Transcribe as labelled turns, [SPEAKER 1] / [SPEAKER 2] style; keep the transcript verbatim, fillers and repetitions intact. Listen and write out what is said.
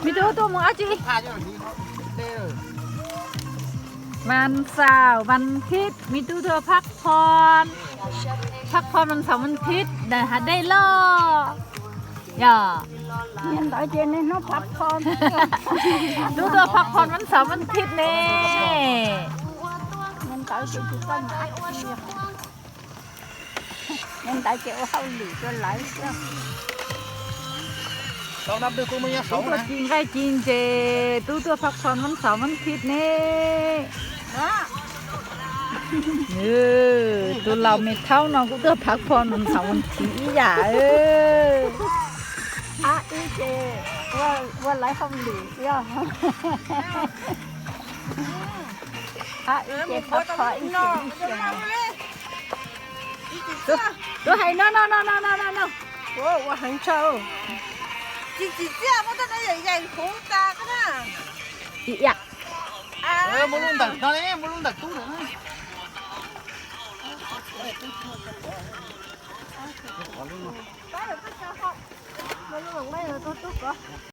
[SPEAKER 1] มีตัวตัวมึงเอาจี
[SPEAKER 2] พาเจ้านี้เด้อ
[SPEAKER 1] วันเสาร์วันอาทิตย์มีตู้เธอพักผ่อนพักผ่อนวันเสาร์วันอาทิตย์ได้หาได้ล่อย่า
[SPEAKER 3] nhân đại trên này nó phập con
[SPEAKER 1] ตู้เธอพักผ่อนวันเสาร์วันอาทิตย์นี่
[SPEAKER 3] nhân đại trên thì con ngã nhân đại chịu hao lì cho lại chứ
[SPEAKER 2] เรานับดูกูมึงยังสอ
[SPEAKER 1] ตู้
[SPEAKER 2] ง
[SPEAKER 1] เธอ
[SPEAKER 2] นะ
[SPEAKER 1] จริงไงจริงเจตู้เธอพักผ่อนวันเสาร์วันอาทิตย์นี่เออตัวเราไม่เท่าน้องกูเธอพักผ่อนวันเสาร์วันอาทิตย์อีหย่าเออ
[SPEAKER 3] à ý chị qua qua lại không lì chứ à ý chị phập khỏi ý chị
[SPEAKER 1] ตัวตัวให้น้องน้องน้องน้องน้องน้อง
[SPEAKER 3] 我我很丑
[SPEAKER 4] 姐姐姐，我在那人人红干个呢。
[SPEAKER 1] อีหย่า
[SPEAKER 2] เออมึงลุงตักตอนนี้มึงลุงตักตู้เลยนะ
[SPEAKER 3] cái rồi cái sao không mấy người mấy người tôi tôi có